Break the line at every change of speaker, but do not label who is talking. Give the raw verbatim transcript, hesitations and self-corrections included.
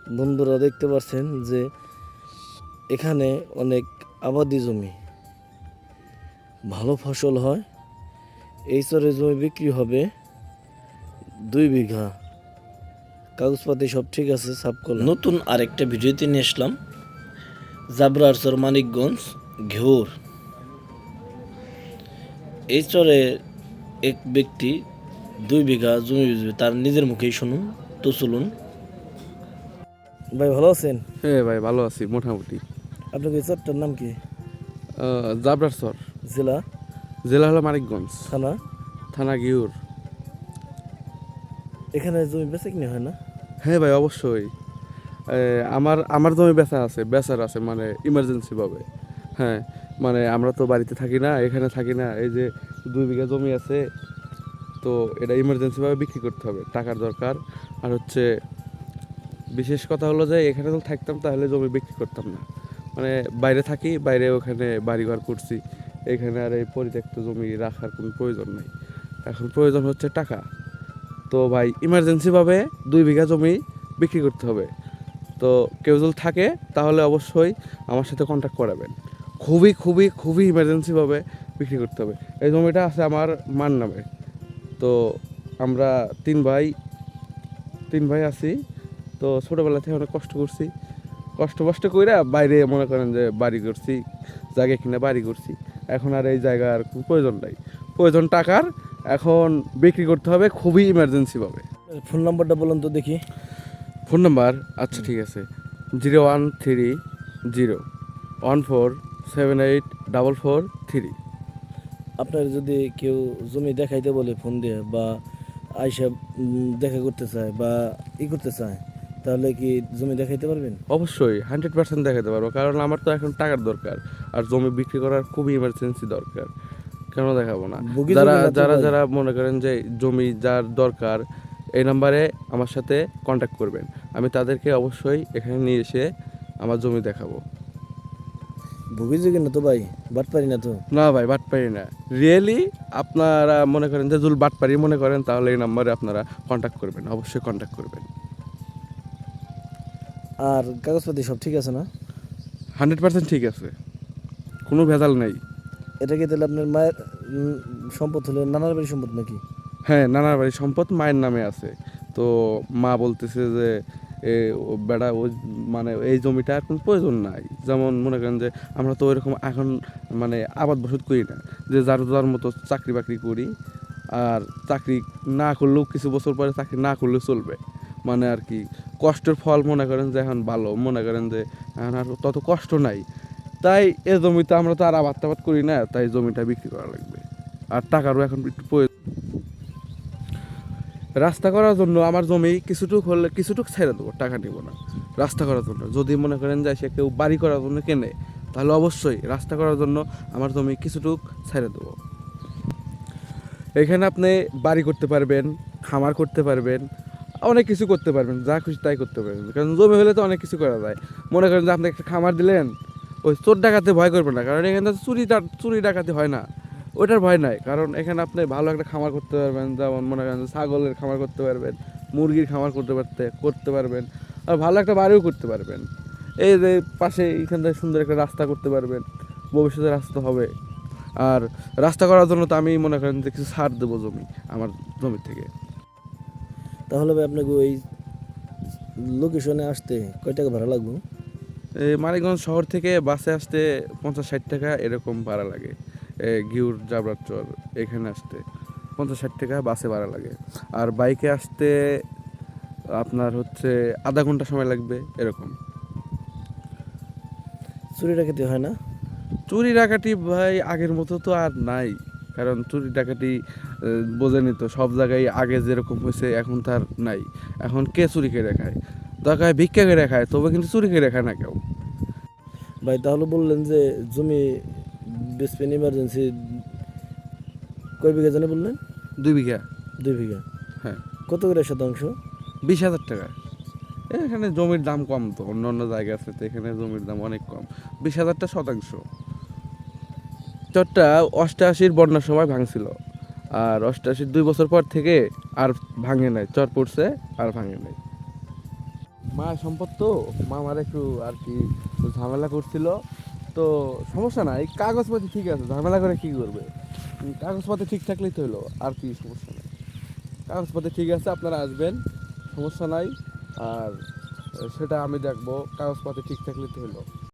বন্ধুরা দেখতে পাচ্ছেন যে এখানে অনেক আবাদি জমি, ভালো ফসল হয়। এই চরে জমি বিক্রি হবে দুই বিঘা, কাগজপাতি সব ঠিক আছে, সাফ করলাম। নতুন আরেকটা ভিডিওতে নিয়ে আসলাম জাবরার চর, মানিকগঞ্জ ঘেউর। এই চরে এক ব্যক্তি দুই বিঘা জমি বেচবে, তার নিজের মুখেই শুনুন। তো চলুন। ভাই ভালো আছেন?
হ্যাঁ ভাই, ভালো আছি মোটামুটি।
আপনার এই চরটার নাম কি?
জাবরার চর,
জেলা?
জেলা হলো মানিকগঞ্জ,
থানা?
থানা গিউর।
এখানে জমি বেচা কিনে হয় না?
হ্যাঁ ভাই, অবশ্যই। এ, আমার আমার জমি বেচা আছে, বেচার আছে, মানে ইমার্জেন্সি ভাবে। হ্যাঁ, মানে আমরা তো বাড়িতে থাকি না, এখানে থাকি না। এই যে দুই বিঘা জমি আছে, তো এটা ইমার্জেন্সি ভাবে বিক্রি করতে হবে, টাকার দরকার। আর হচ্ছে বিশেষ কথা হলো যে এখানে যদি থাকতাম তাহলে জমি বিক্রি করতাম না। মানে বাইরে থাকি, বাইরে ওখানে বাড়িঘর করছি, এখানে আর এই পরিত্যক্ত জমি রাখার কোনো প্রয়োজন নেই। এখন প্রয়োজন হচ্ছে টাকা। তো ভাই ইমার্জেন্সিভাবে দুই বিঘা জমি বিক্রি করতে হবে। তো কেউ যদি থাকে তাহলে অবশ্যই আমার সাথে কন্ট্যাক্ট করাবেন। খুবই খুবই খুবই ইমার্জেন্সিভাবে বিক্রি করতে হবে। এই জমিটা আছে আমার মার নামে। তো আমরা তিন ভাই তিন ভাই আছি। তো ছোটোবেলা থেকে অনেক কষ্ট করছি, কষ্ট কষ্ট কইরা বাইরে মনে করেন যে বাড়ি করছি, জায়গা কিনে বাড়ি করছি। এখন আর এই জায়গার কোনো প্রয়োজন নাই, প্রয়োজন টাকার। এখন বিক্রি করতে হবে খুবই ইমার্জেন্সিভাবে।
ফোন নাম্বারটা বলুন তো দেখি।
Phone number? আচ্ছা ঠিক আছে, zero one three zero one four seven eight double four three.
আপনার যদি কেউ জমি দেখাইতে বলে ফোন দিয়ে, বা আইসা উম, দেখা করতে চায় বা ই করতে চায়, তাহলে কি জমি দেখাইতে পারবেন?
অবশ্যই হান্ড্রেড পার্সেন্ট দেখাতে পারবো, কারণ আমার তো এখন টাকার দরকার, আর জমি বিক্রি করার খুবই ইমার্জেন্সি দরকার। কেন দেখাবো না?
বুগি
যারা
জমি না তো
যারা
ভাই?
যারা মনে করেন যে জমি যার দরকার, এই নাম্বারে আমার সাথে কন্ট্যাক্ট করবেন। আমি তাদেরকে অবশ্যই এখানে নিয়ে এসে আমার জমি দেখাবো।
ভুগি যোগী না তো ভাই? বাট পারি না তো?
না ভাই, বাটপারি না। রিয়েলি আপনারা মনে করেন যে জুল বাটপারি মনে করেন, তাহলে এই নাম্বারে আপনারা কন্ট্যাক্ট করবেন, অবশ্যই কন্ট্যাক্ট করবেন।
আর কাগজপাতি সব ঠিক আছে না?
হান্ড্রেড পার্সেন্ট ঠিক আছে, কোনো ভেজাল নেই।
এটা কি তাহলে আপনার মায়ের উম, সম্পদ হলো, নানার বাড়ির সম্পদ নাকি?
হ্যাঁ, নানার বাড়ির সম্পদ মায়ের নামে আছে। তো মা বলতেছে যে এ ও বেটা ওই মানে এই জমিটা আর কোনো প্রয়োজন নাই। যেমন মনে করেন যে আমরা তো ওইরকম এখন মানে আবাদ বসত করি না, যে যার যার মতো চাকরি বাকরি করি। আর চাকরি না করলেও কিছু বছর পরে চাকরি না করলেও চলবে, মানে আর কি কষ্টের ফল মনে করেন যে এখন ভালো, মনে করেন যে এখন আর তত কষ্ট নাই। তাই এ জমিতে আমরা তো আর আবাদ টাবাদ করি না, তাই জমিটা বিক্রি করা লাগবে। আর টাকারও এখন একটু প্রয়োজন। রাস্তা করার জন্য আমার জমি কিছুটুক হলে কিছুটুক ছেড়ে দেবো, টাকা নিব না রাস্তা করার জন্য। যদি মনে করেন যে সে কেউ বাড়ি করার জন্য কেনে, তাহলে অবশ্যই রাস্তা করার জন্য আমার জমি কিছুটুক ছেড়ে দেবো। এখানে আপনি বাড়ি করতে পারবেন, খামার করতে পারবেন, অনেক কিছু করতে পারবেন, যা খুশি তাই করতে পারবেন। কারণ জমি হলে তো অনেক কিছু করা যায়। মনে করেন যে আপনি একটা খামার দিলেন, ওই চোর ডাকাতে ভয় করবেন না, কারণ এখানে তো চুরি চুরি ডাকাতি হয় না, ওটার ভয় নাই। কারণ এখানে আপনি ভালো একটা খামার করতে পারবেন, যেমন মনে করেন ছাগলের খামার করতে পারবেন, মুরগির খামার করতে পারতে করতে পারবেন, আর ভালো একটা বাড়িও করতে পারবেন। এই যে পাশে এখান থেকে সুন্দর একটা রাস্তা করতে পারবেন, ভবিষ্যতে রাস্তা হবে। আর রাস্তা করার জন্য তো আমি মনে করেন যে কিছু ছাড় দেবো জমি, আমার জমি থেকে।
তাহলে ভাই আপনাকে ওই লোকেশনে আসতে কয় টাকা ভাড়া লাগবে?
এই মানিকগঞ্জ শহর থেকে বাসে আসতে পঞ্চাশ ষাট টাকা এরকম ভাড়া লাগে। এ ঘিউর জাবরার চর এখানে আসতে পঞ্চাশ ষাট টাকা বাসে ভাড়া লাগে। আর বাইকে আসতে আপনার হচ্ছে আধা ঘন্টা সময় লাগবে এরকম।
চুরি ডাকাতি হয় না?
চুরি ডাকাতি ভাই আগের মতো তো আর নাই, কারণ চুরি ডাকাতি আহ, বোঝেনি তো, সব জায়গায় আগে যেরকম হয়েছে এখন তার নাই। এখন কে চুরি করে খায়? দরকার ভিক্ষা করে খায়, তবে কিন্তু চুরি করে খায় না কেউ।
ভাই তাহলে বললেন যে জমি বেচবেন ইমার্জেন্সি, কয় বিঘা জানি বললেন?
দুই বিঘা।
দুই বিঘা।
হ্যাঁ,
কত করে শতাংশ?
বিশ হাজার টাকা। এখানে জমির দাম কম, তো অন্য অন্য জায়গা আছে, তো এখানে জমির দাম অনেক কম। বিশ হাজারটা শতাংশ। চরটা অষ্টআশির বন্যার সময় ভাঙছিল, আর অষ্টআশির দুই বছর পর থেকে আর ভাঙে নাই, চর পড়ছে আর ভাঙে নাই। মা সম্পদ তো মা আমার একটু আর কি ঝামেলা করছিল, তো সমস্যা নাই, কাগজপাতি ঠিক আছে, ঝামেলা করে কি করবে, উম, কাগজপাতি ঠিক থাকলেই তো হলো, আর কি সমস্যা নাই, কাগজপাতি ঠিক আছে, আপনারা আসবেন, সমস্যা নাই। আর আহ, সেটা আমি দেখবো, কাগজপাতি ঠিক থাকলেই তো হলো।